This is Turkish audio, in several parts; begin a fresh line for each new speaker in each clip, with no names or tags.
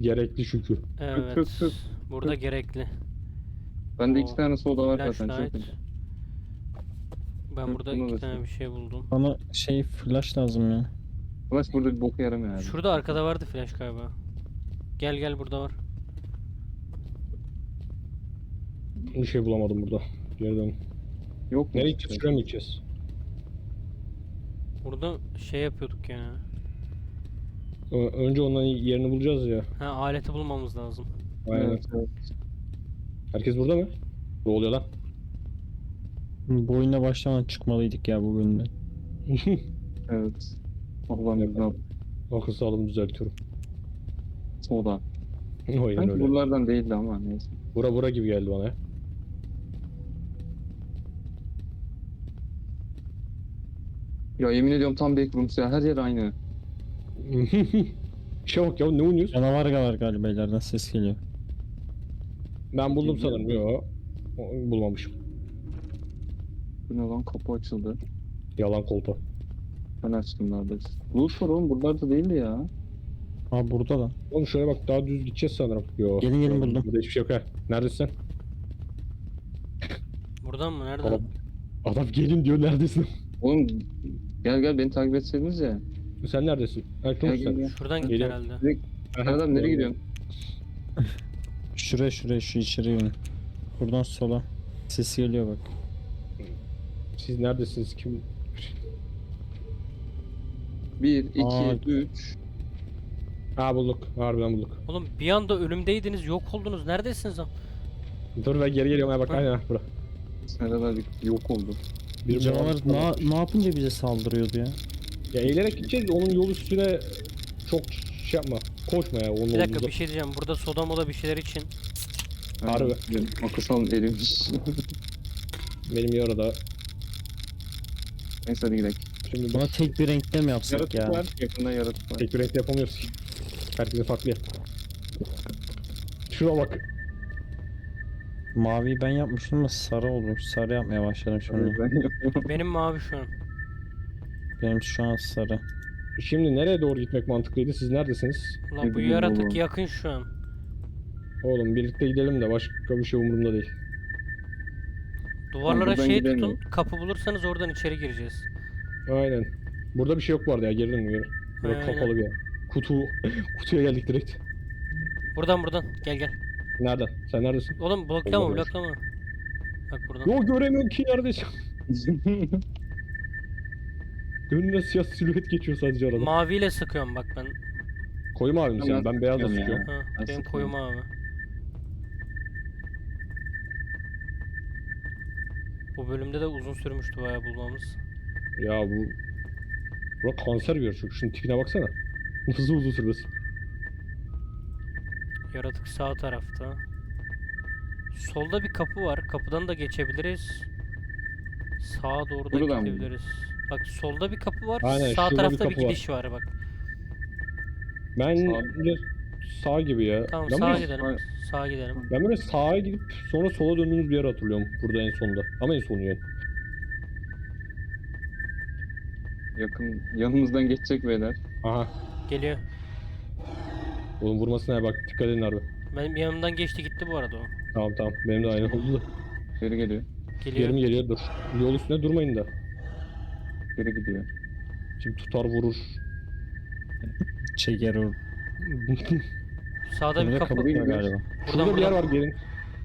Gerekli şükür.
Evet.
Kırk.
Burada gerekli.
Bende
O
2 tane soda var zaten.
Flashlight.
Çok
Ben
Hı,
burada
bunu
2
da
tane
şey.
bir şey buldum.
Bana şey flash lazım ya.
Flash burada bir boka yaramıyor abi.
Şurada arkada vardı flash galiba. Gel gel, burada var.
Bir şey bulamadım burada. Geri dön.
Yok mu?
Nereye gideceğiz? Şuraya mı gideceğiz?
Burada şey yapıyorduk ya.
Önce onların yerini bulacağız ya.
Ha, aleti bulmamız lazım.
Aynen.
Evet, evet.
Herkes burada mı? Ne oluyor lan?
Bu oyuna başlamadan çıkmalıydık ya bu bölümden.
Evet. Allah'ım yüzüne
Akıl sağlığımı düzeltiyorum.
soda.
Aynen
Sanki
öyle.
buralardan değildi ama neyse.
Bura gibi geldi bana ya.
Ya yemin ediyorum tam backrooms ya. Her yer aynı.
İşe bak ya, ne oynuyoruz?
Canavar var galiba, ileriden ses geliyor.
Ben buldum
Geliyor.
sanırım. Yo. Bulmamışım.
Bu ne lan, kapı açıldı.
Yalan kolpa.
Ben açtım neredeyse. Loot var oğlum, buralarda değildi ya.
Aa burada da.
Oğlum şöyle bak, daha düz gideceğiz sanırım. Yo.
Gelin, buldum.
Burada hiçbir şey yok ha. Neredesin?
Buradan mı? Nereden?
Adam, adam gelin diyor, neredesin?
Oğlum gel beni takip etseydiniz ya.
Sen neredesin?
Gel
Erkan
gel
sen.
gel.
Şuradan git
Geliyor.
herhalde.
Adam nereye gidiyorsun?
Şuraya şu içeri yönü. Buradan sola. Ses geliyor bak.
Siz neredesiniz? Kim?
1, 2,
Aa.
3.
Ha, bulduk. Harbiden bulduk.
Oğlum bir anda ölümdeydiniz, yok oldunuz. Neredesiniz lan?
Dur, ben geri geliyorum. Ha bak,
Ha.
aynen bura.
Seneler yok oldu.
Bir
Canavar ne yapınca bize saldırıyordu ya?
Ya eğilerek gideceğiz. Onun yol üstüne çok şey yapma. Koşma ya. Onun
Bir dakika,
olduğunda.
bir şey diyeceğim. Burada soda moda bir şeyler için.
Harbi.
Benim akıl erimiş.
Benim yarıda.
Neyse hadi gidelim.
Şimdi
Buna tek bir renkte mi yapsak
Yaratık
ya?
var. Yakında yaratık var.
tek bir renkte yapamıyoruz ki. Herkese farklı ya. Şuna bak.
Maviyi ben yapmıştım ama sarı olur. Sarı yapmaya başladım şimdi.
Ben yapıyorum.
Benim mavi şu an.
Benim şu an sarı.
Şimdi nereye doğru gitmek mantıklıydı? Siz neredesiniz?
Ulan bu
bileyim
yaratık
oğlum.
yakın şu an.
Oğlum birlikte gidelim de başka bir şey umurumda değil.
Duvarlara
buradan
şey
gidemiyorum.
tutun. Kapı bulursanız oradan içeri gireceğiz.
Aynen. Burada bir şey yok bu arada ya. Geri dönün geri. Burada
Aynen.
kapalı bir yer. Kutuya geldik direkt.
Buradan. Gel gel.
Nereden? Sen neredesin?
Oğlum bloklama
Olmadı.
bloklama. Bak buradan.
Yo, göremiyorum ki neredesin. Önüne siyah silüet geçiyor sadece arada.
Maviyle sıkıyorum bak ben.
Koyu mavi mi
Tamam,
senin? Ben beyazla
sıkıyorum ya.
sıkıyorum.
Ha,
Ben
benim
sıkıyorum.
koyu mavi. Bu bölümde de uzun sürmüştü bayağı bulmamız.
Ya bu... Bura kanser bir yer çünkü. Şunun tipine baksana. Nasıl uzun sürmesin.
Yaratık sağ tarafta. Solda bir kapı var. Kapıdan da geçebiliriz. Sağa doğru da
Buradan mı?
gidebiliriz. Bak solda bir kapı var.
Aynen,
Sağ
şurada bir
tarafta bir
kapı var.
gidiş var bak.
Ben
Sağ-
de sağ gibi ya.
Tamam,
ben
sağa
böyle,
gidelim.
sağ-
Sağa gidelim.
ben böyle sağa gidip sonra sola döndüğümüz bir yer hatırlıyorum. Burada en sonunda. Ama en sonu yani.
Yakın yanımızdan geçecek beyler.
Aha.
Geliyor.
Oğlum vurmasına bak. Dikkat edin harbi.
Benim yanımdan geçti gitti bu arada o.
Tamam. Benim de aynı oldu da.
Geri geliyor.
Geliyor.
Yerim geliyor, dur. Yol üstüne durmayın da.
Geri gidiyor.
Şimdi tutar vurur.
Çeker o.
Sağda bir
Burada
kapı.
kapı var
gidiyor.
galiba.
Şurada bir yer var, gelin.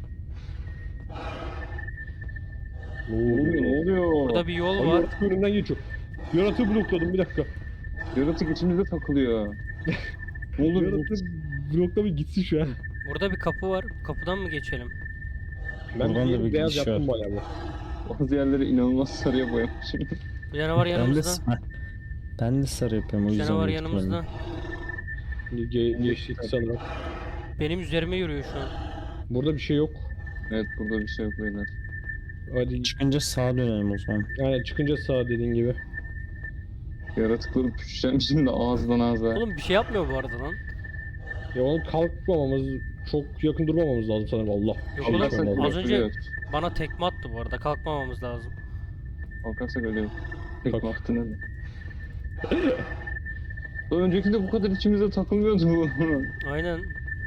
Ne
Ne oluyor? Ne oluyor?
Burada bir yol
Ay,
var.
yaratık önümden geçiyor. Yaratığı blokladım, bir dakika.
Yaratık içimizde takılıyor. Ne olur?
Yaratığı blokla bir gitsin şu an.
Burada bir kapı var. Bu kapıdan mı geçelim?
Ben
Buradan da
bir
bir
beyaz
gidiş
yaptım
var.
bayağı bu.
Bazı yerleri inanılmaz sarıya boyamışım.
Bir tane var
Ben de,
yanımızda.
ben de sarı yapıyorum o
Bir
yüzden.
tane var
büyük ihtimalle.
yanımızda.
Geçtik sanırım.
Benim üzerime yürüyor şu an.
Burada bir şey yok.
Evet, burada bir şey yok beyler.
Hadi
Çıkınca sağa dönelim o zaman.
yani çıkınca sağ dediğin gibi.
Yaratıkları püşeceğim şimdi ağızdan ağza.
Oğlum bir şey yapmıyor bu arada lan.
Ya onu kalkmamamız, çok yakın durmamamız lazım sanırım. Allah.
Yok
Şey
oğlum,
yapmam lazım.
az önce
ölüyoruz.
bana tekme attı bu arada. Kalkmamamız lazım.
Kalkarsak ölüyoruz. Tek
Kalk.
baktın öyle. Öncekinde bu kadar içimize takılmıyordu bu.
Aynen.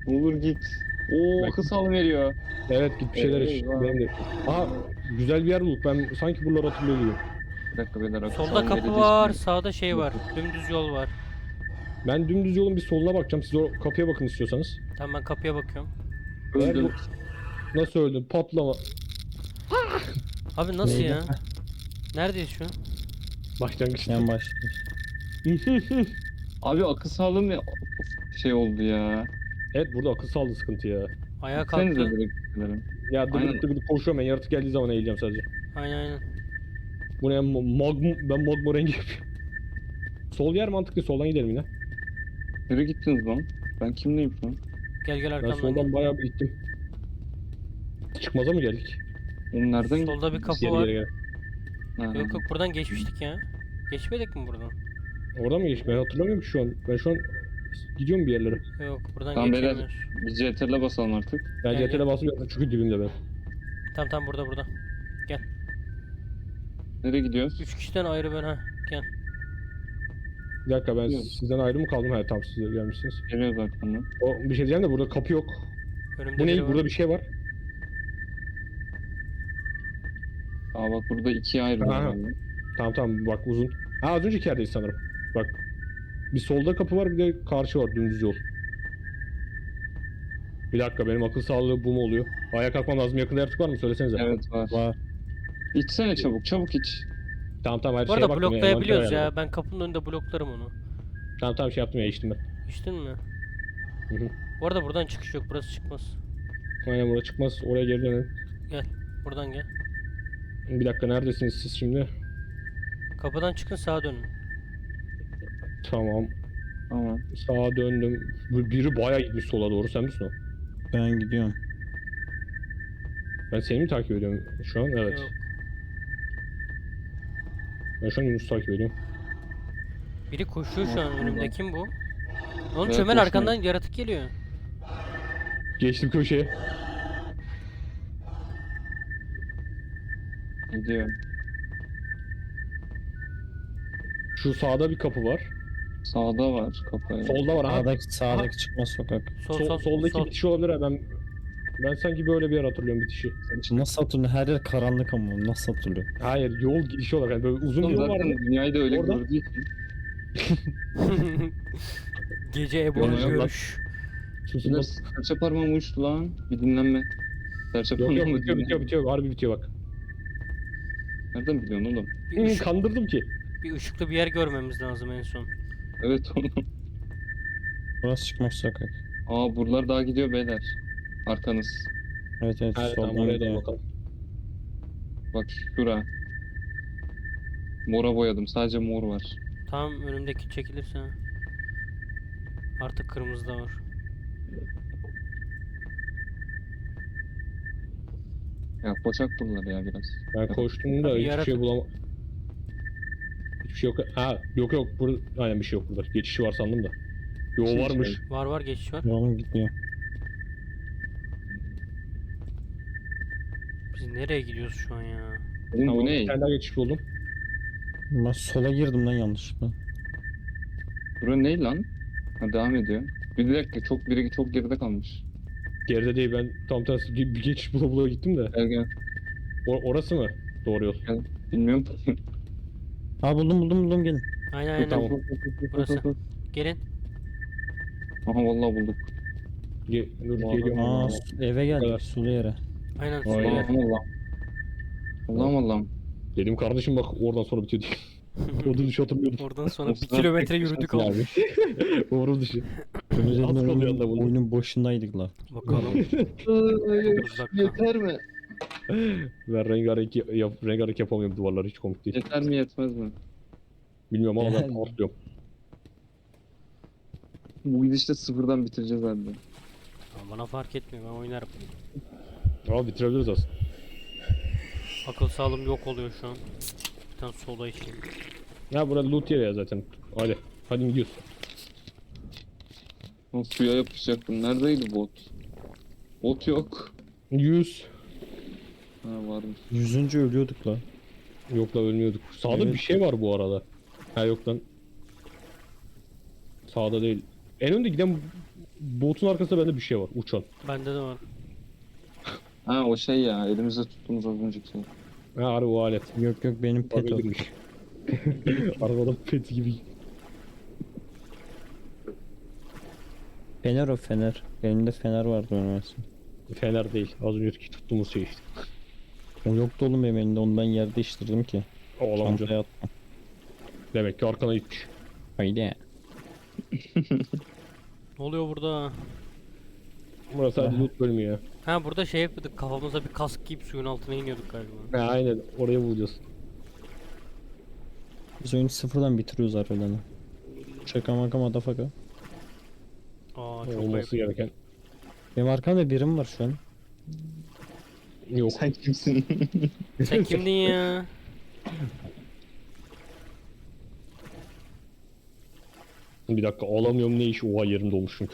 Ne olur git. Oo
Bak-
akıl sağlam veriyor.
Evet git bir şeyler iç.
Eyvah.
Benim de. Aha güzel bir yer bulduk. Ben sanki buraları hatırlıyor gibiyim.
Bir dakika beyler akıl
Solda
sağlam
kapı
verildiği
var,
için-
sağda şey var. Dümdüz yol var.
Ben dümdüz yolun bir soluna bakacağım. Siz o kapıya bakın istiyorsanız.
Tamam ben kapıya bakıyorum.
Eğer
Öldüm.
bu... Nasıl öldün? Patlama.
Abi nasıl
Neydi?
ya? Neredeyiz şu an?
Başlangıçta.
En başlıyor.
Abi akıl sağlığım ya şey oldu ya.
Evet burada akıl sağlığı sıkıntı ya.
Ayağa
Gitsenize
kalktı.
direkt gidelim.
Ya
Aynen.
dıgıdık dıgıdık koşuyorum ben. Yaratık geldiği zaman eğileceğim sadece.
Aynen.
Bu ne? Ben magma rengi yapıyorum. Sol yer mantıklı. Soldan gidelim yine.
Nereye gittiniz lan? Ben kimleyim şu an?
Gel
Ben
arkamdan
soldan
gel.
bayağı bir gittim. Çıkmaza mı geldik?
Oğlum nereden
Solda bir kapı
Geri
var.
geri gel.
Ha.
Yok yok buradan geçmiştik ya. Geçmedik mi buradan?
Oradan mı geçtik? Ben hatırlamıyorum ki şu an. Ben şu an gidiyorum bir yerlere.
Yok buradan
Tamam beyler.
geçemiyoruz.
Biz CTRL'e basalım artık.
Ben
Gel,
CTRL'e basmıyorum çünkü dibimde ben.
Tamam burada.
Nereye gidiyoruz?
3 kişiden ayrı ben ha. Gel.
Bir dakika ben
Yok.
sizden ayrı mı kaldım? Hayır tamam siz de gelmişsiniz.
Geliyoruz arkamdan.
O bir şey diyeceğim de burada kapı yok.
Önümde
Bu
biri
ne?
var.
Burada bir şey var.
Aa bak burada ikiye ayrılıyor.
Aha.
yani.
Tamam bak uzun. Ha az önceki yerdeyiz sanırım. Bak. Bir solda kapı var bir de karşı var dümdüz yol. Bir dakika benim akıl sağlığı bu mu oluyor? Ayağa kalkmam lazım. Yakında yaratık var mı? Söylesenize.
Evet var.
Var.
İçsene çabuk iç.
Tamam her
Bu
şeye
arada
baktım ya,
bloklayabiliyoruz
envantere
ya.
ayarladım.
Ben kapının önünde bloklarım onu.
Tamam şey yaptım ya içtim ben.
İçtin mi?
Hı hı.
Bu arada buradan çıkış yok. Burası çıkmaz.
Aynen burada çıkmaz. Oraya geri dönelim.
Buradan gel.
Bir dakika neredesiniz siz şimdi?
Kapıdan çıkın sağa dönün.
Tamam.
Tamam.
Sağa döndüm. Bu biri bayağı gitmiş sola doğru. Sen misin o?
Ben gidiyorum.
Ben seni mi takip ediyorum şu an? Evet.
Yok.
Ben şu an Yunus'u takip ediyorum.
Biri koşuyor şu an
Yok,
önümde.
yok.
Kim bu? Oğlum
Evet,
çömel
koşuyor.
arkandan yaratık geliyor.
Geçtim köşeye.
Gidiyorum.
Şu sağda bir kapı var.
Sağda var kapı.
Solda var. Aha.
Sağdaki çıkmaz sokak.
Soldaki
sol.
bitiş olabilir ha. Ben sanki böyle bir yer hatırlıyorum bitişi.
Nasıl hatırlıyor? Her yer karanlık ama nasıl hatırlıyor?
Hayır yol gidişi olarak yani böyle uzun bir
Oğlum
yol var.
zaten dünyayı da öyle
Oradan-
gördüğü için.
Gece Ebru'nun
Yok, yok,
görüş.
Susun
Beyler
lan.
serçe parmağım uçtu lan. Bir dinlenme. Serçe
Yok
parmağım
bitiyor. Harbi bitiyor bak.
Nereden biliyorsun oğlum?
Bir, ışık-
Kandırdım ki.
bir ışıklı bir yer görmemiz lazım en son.
Evet oğlum.
Burası çıkmaz sokak.
Aa buralar daha gidiyor beyler. Arkanız.
Evet
Evet tamam
soldan
oraya
gidiyor.
doğru bakalım.
Bak şura. Mora boyadım. Sadece mor var.
Tam önümdeki çekilirse. Artık kırmızı da var.
Ya koçak buralar ya biraz.
Ben koştum da
Abi
hiçbir şey
yaratık-
bulamadım. Hiçbir şey yok. Ha yok burada aynen bir şey yok burada. Geçişi var sandım da. Yo
Şey,
varmış.
Var geçiş var.
Yolum gitmiyor.
Biz nereye gidiyoruz şu an ya?
Oğlum
Tamam
bu
bir
ne?
tane daha geçiş buldum.
Ben sola girdim lan yanlışlıkla.
Bura ne lan? Ha devam ediyor. Bir dakika biri çok geride kalmış.
Geride değil ben tam tersi bir geçiş bula gittim de.
Gel.
Orası mı? Doğru yol.
Bilmiyorum.
Ha buldum gelin.
Aynen.
Tamam.
Burası. Gelin.
Aha vallahi bulduk.
Dur
Vallahi-
geliyorum.
Aa eve
kadar.
geldik sulu yere.
Aynen.
Vay
Sola.
be.
Allah'ım.
Dedim kardeşim bak oradan sonra bitiyor diye. Orada dışı hatırlıyordum.
Oradan sonra 1
Olsun.
kilometre yürüdük abi.
Abi. Orada dışı.
Özellikle
Az kalıyor anda buldum.
oyunun başındaydık la.
Bakalım. 9 dakika.
Yeter mi?
Ben rengarenk yapamıyorum duvarları hiç komik değil.
Yeter mi yetmez mi?
Bilmiyorum ama ben
Yani.
atlıyorum.
Bu gidişte sıfırdan bitireceğiz herhalde.
Ama bana fark etmiyor ben oynarım.
Ama bitirebiliriz aslında.
Akıl sağlığım yok oluyor şu an. Bir tane soda içeyim.
Ya burada loot yeri ya zaten. Hadi gidiyoruz.
O suya yapışacaktım. Neredeydi bot? Bot yok.
100.
Ha varmış.
100. ölüyorduk la.
Yok la ölmüyorduk. Sağda
Evet.
bir şey var bu arada. Ha yok lan. Sağda değil. En önde giden botun arkasında bende bir şey var. Uçan.
Bende de var.
Ha o şey ya elimizde tuttuğumuz az önceki şey.
Ha harbi o alet.
Yok yok benim pet o.
Olabilirmiş. Arabadan pet gibi.
Fener o fener. Benim de fener vardı üniversite.
Fener değil. Az önceki tuttuğumuz şey işte.
O yoktu oğlum benim elimde. Onu ben yerde değiştirdim ki.
Oğlanca.
Çantaya attım.
Demek ki arkana gitmiş.
Haydi.
Ne oluyor burada?
Burası sadece
Aha.
loot bölümü ya.
Ha burada şey yapıyorduk. Kafamıza bir kask giyip suyun altına iniyorduk galiba.
Ha, aynen oraya bulacağız.
Biz oyunu sıfırdan bitiriyoruz harbiden. Şaka maka madafaka.
Aa çok
Olması
ayıp.
gereken.
Benim arkamda birim var şu an.
Yok.
Sen kimsin?
Sen kimdin ya?
Bir dakika alamıyorum ne iş? Oha yerim dolmuş çünkü.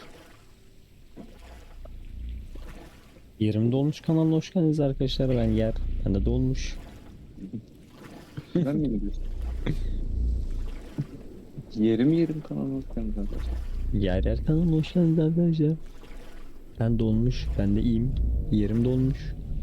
Yerim dolmuş kanalına hoş geldiniz arkadaşlar. Ben yer. Ben de dolmuş.
Ben mi gidiyorsun? Yerim kanalı bakıyorum arkadaşlar.
Yer yer kanalına hoş geldiniz arkadaşlar. Ben dolmuş. Ben de iyiyim. Yerim dolmuş.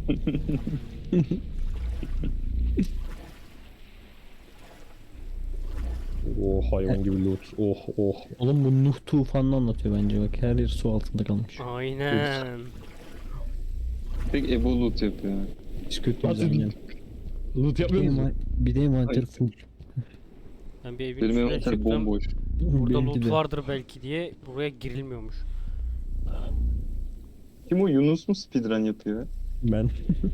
Oh hayvan gibi loot. Oh oh.
Oğlum bu Nuh tufanını anlatıyor bence bak. Her yer su altında kalmış.
Aynen.
Tek Ebo loot yapıyor.
Hiç kötü
Nasıl
güzel
bir-
yani.
Loot yapmıyor musun?
Bir de envanter
Hayır.
full.
Ben bir evin
Benim
üstüne
envanter
çıktım.
bomboş.
Burada
Benimki
loot
de.
vardır belki diye buraya girilmiyormuş.
Kim o Yunus mu speedrun yapıyor?
Ben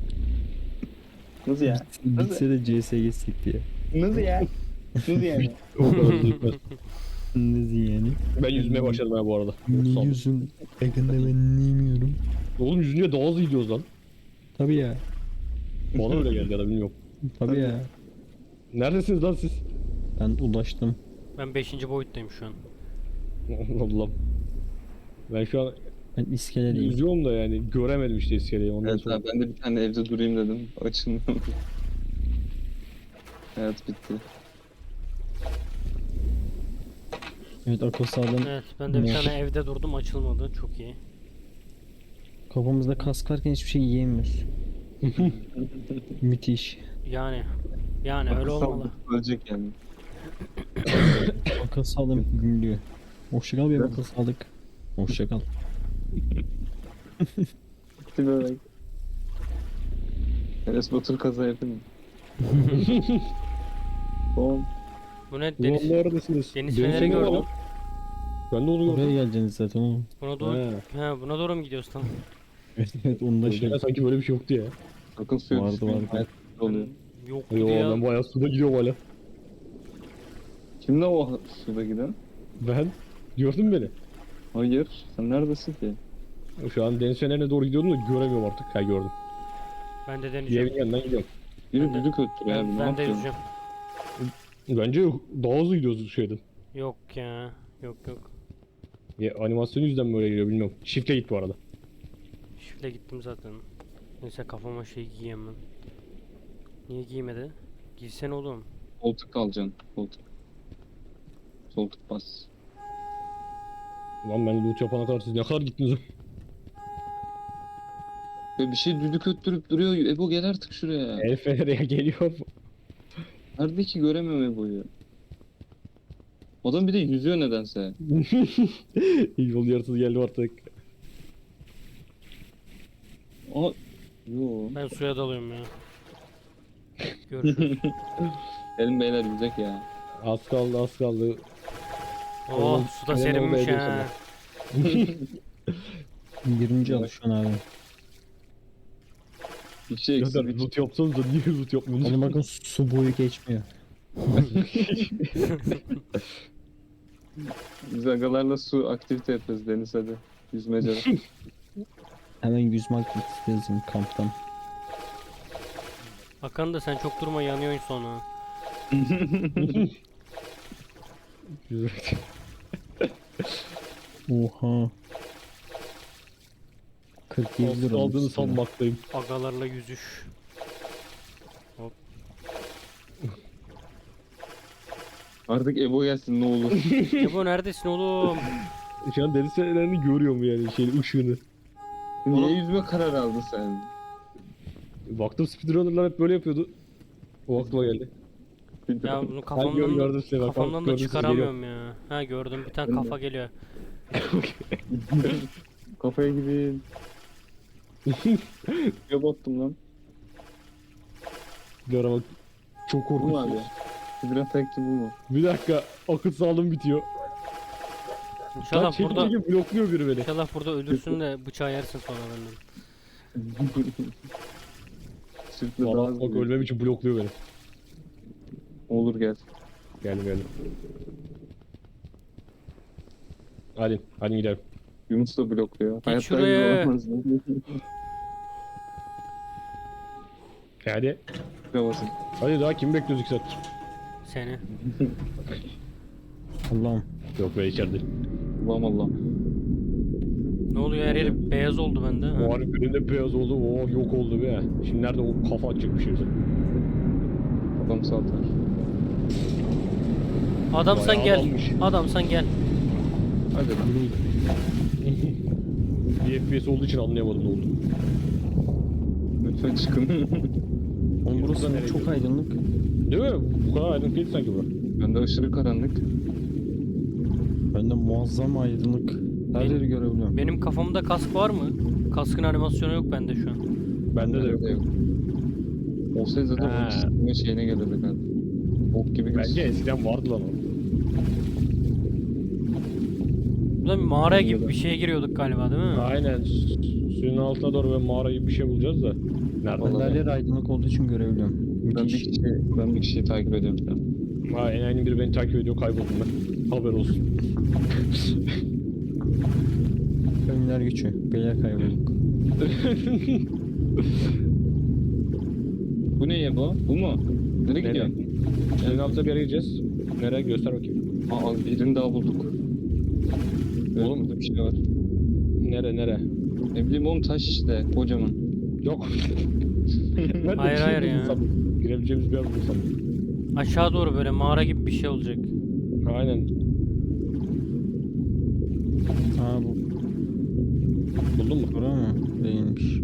Nasıl ya?
bitse de CS geçsek diye.
Nasıl ya? Nasıl yani?
O kadar da gitmez.
Nasıl yani?
Ben yüzmeye başladım ha bu arada.
Ne
Sağ ol.
diyorsun? Yakında ben neymiyorum.
Oğlum yüzünce daha hızlı gidiyoruz lan.
Tabii ya.
Bana öyle geldi ya da bilmiyorum.
Tabii ya.
Neredesiniz lan siz?
Ben ulaştım.
Ben 5. boyuttayım şu an.
Allah'ım. Ben şu an
Ben iskeledeyim.
yüzüyorum da yani göremedim işte iskeleyi ondan
Evet
sonra.
abi ben de bir tane evde durayım dedim. Açılmıyor. Hayat bitti.
Evet akıl sağlığım.
Evet ben de bir
Ne?
tane evde durdum açılmadı. Çok iyi.
Kafamızda kask varken hiçbir şey yiyemiyoruz. Müthiş.
Yani öyle
Akıl
olmalı.
sağlığı ölecek yani.
Akıl sağlığım gümlüyor. Hoşça kal bir akıl sağlık. Hoşça kal.
Bitti böyle. Enes Batur kaza yapayım mı? Tamam.
Bu ne
Ulan
deniz?
neredesiniz?
Deniz
Deniz
feneri
feneri var
gördüm.
lan. Ben de onu
Oraya
gördüm.
geleceksiniz zaten oğlum.
Buna doğru,
He.
buna doğru mu gidiyoruz tamam?
Evet evet onu da şey.
Önceden sanki böyle bir şey yoktu ya.
Sakın suya
Vardı,
düşmeyin.
vardı.
Hayat oluyor.
Yok
Yo
ya.
ben bayağı suda gidiyorum hala.
Kimle o suda giden?
Ben gördün mü beni?
Hayır. Sen neredesin ki?
Şu an deniz fenerine doğru gidiyordum da göremiyorum artık. Ha gördüm.
Ben de
Bir evin
deneyeceğim.
yanından gidiyorum.
Biri
Ben de-
düdük öttürüyor abi. Ne
Ben de
yapıyorsun?
yüzeceğim.
Bence daha hızlı gidiyoruz şeyden.
Yok ya. Yok.
Ya, animasyon yüzden böyle geliyor bilmiyorum. Shift'e git bu arada.
Şifle gittim zaten. Neyse kafama şey giyemem. Niye giymedi? Giysene oğlum.
Koltuk alacaksın. Koltuk. Koltuk bas.
Lan ben loot yapana kadar siz ne kadar gittiniz?
Ve bir şey düdük öttürüp duruyor. Ebo gel artık şuraya.
El fenere geliyor.
Nerede ki göremiyorum Ebo'yu. Adam bir de yüzüyor nedense.
Yol yarısı geldi artık.
Aa. Yo.
Ben suya dalıyorum ya. Görüşürüz.
Gelin beyler yüzek ya.
Az kaldı az kaldı.
Oh suda
Neden
serinmiş
olmayı
ha.
20. alışıyorsun abi.
Bir şey
Ya
eksik.
da loot yapsanız da niye loot yapmıyorsunuz?
Oğlum bakın su boyu geçmiyor.
Biz agalarla su aktivite yapıyoruz Deniz hadi. Yüzmece.
Hemen yüzme aktivitesi yazayım kamptan.
Hakan da sen çok durma yanıyorsun sonra.
Oha. 47 lira.
Aldığını
olmuş sana.
sanmaktayım.
Agalarla yüzüş.
Artık Ebo gelsin ne olur.
Ebo neredesin oğlum?
Şu an deniz fenerini görüyorum yani şeyin ışığını.
Niye yüzme karar aldın sen?
Baktım speedrunner'lar hep böyle yapıyordu. O aklıma geldi.
Ya bunu
gördüm
kafamdan
size bak,
kafamdan da
gördüm sizi,
çıkaramıyorum ya. Ha gördüm bir tane
Ben de.
kafa geliyor.
Kafaya gidin. Ya battım lan.
Bir ara bak. Çok
Bu mu abi?
korkunç.
Biraz takipçi bu mu?
Bir dakika akıl sağlığım bitiyor. Lan
İnşallah burada
çekici blokluyor biri beni.
İnşallah burada ölürsün de bıçağı yersin sonra benden.
Sırtla daha
Valla
hızlı.
bak ölmem için blokluyor beni.
Olur gel.
Geldim. Hadi gidelim.
Yunus da blokluyor. Hayatta
şuraya.
olamaz.
Hadi.
Şuraya basın.
Hadi daha kimi bekliyoruz 2 saattir?
Seni.
Allah'ım.
Yok be içeride.
Allah'ım Allah.
Ne oluyor her yeri beyaz oldu bende. Ha.
O an birinde beyaz oldu. Oo yok oldu be. Şimdi nerede o kafa atacak bir şey bize.
Adam saltar.
Adamsan
Bayağı
gel.
adammış.
Adamsan gel.
Hadi lan.
Bir FPS olduğu için anlayamadım ne oldu.
Lütfen çıkın.
Oğlum burası
nereye
çok aydınlık.
Değil mi? Bu kadar aydınlık değil sanki bura.
Bende aşırı karanlık.
Bende muazzam aydınlık. Her
Benim-
yeri görebiliyorum.
Benim kafamda kask var mı? Kaskın animasyonu yok bende şu an.
Bende de yok.
Yok. Olsaydı zaten
Ha.
onun çizgime şeyine gelirdik abi. Ok gibi
Bence eskiden vardı lan o.
Burada bir mağara gibi bir şeye giriyorduk galiba değil mi?
Aynen. Suyun altına doğru ve mağara gibi bir şey bulacağız da. Nerede?
Ben de her yer aydınlık olduğu için görebiliyorum.
Ben
Müthiş.
bir kişiyi takip ediyorum şu an.
Ha, en biri beni takip ediyor, kayboldum ben. Haber olsun.
Önler geçiyor. Beyler kaybolduk.
Bu ne ya bu? Bu mu? Nereye
Nereye?
gidiyorsun?
Suyun altına bir yere gideceğiz. Nereye? Göster bakayım.
Aa birini daha bulduk.
Oğlum.
Burada bir şey var.
Nere?
Ne bileyim oğlum taş işte kocaman.
Yok. Ben de
Hayır,
bir şey
hayır ya.
buldum sandım. Girebileceğimiz bir yer buldum sandım.
Aşağı doğru böyle mağara gibi bir şey olacak.
Aynen.
Aa bu
Buldun mu?
bura mı? Değilmiş.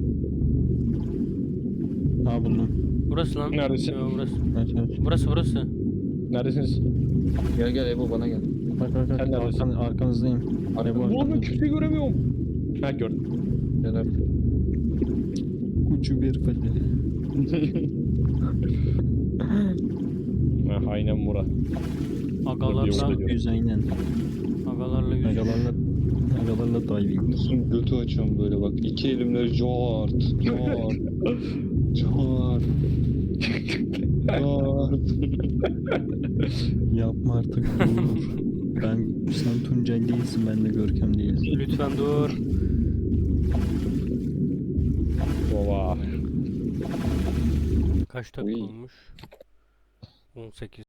Aa buldum.
Burası lan.
Neredesin?
Yo, burası.
Evet.
Burası.
Neredesiniz?
Gel Ebo bana gel.
Bak
Sen neredesin?
arkanızdayım.
Arkamda.
Ebo
Oğlum ben
arkamda.
kimseyi göremiyorum. Ha gördüm.
Gel abi.
Ucu bir fele.
Ha, aynen Mura.
Agalarla,
Yok.
Yüz aynen.
agalarla yüz.
Agalarla diving.
Yunus'un götü açıyorum böyle bak. İki elimle cart. Cart. Cart.
Yapma artık dur. Sen Tuncay değilsin, ben de Görkem değilim.
Lütfen dur.
Baba.
Kaç dakika
Uy.
olmuş? 18.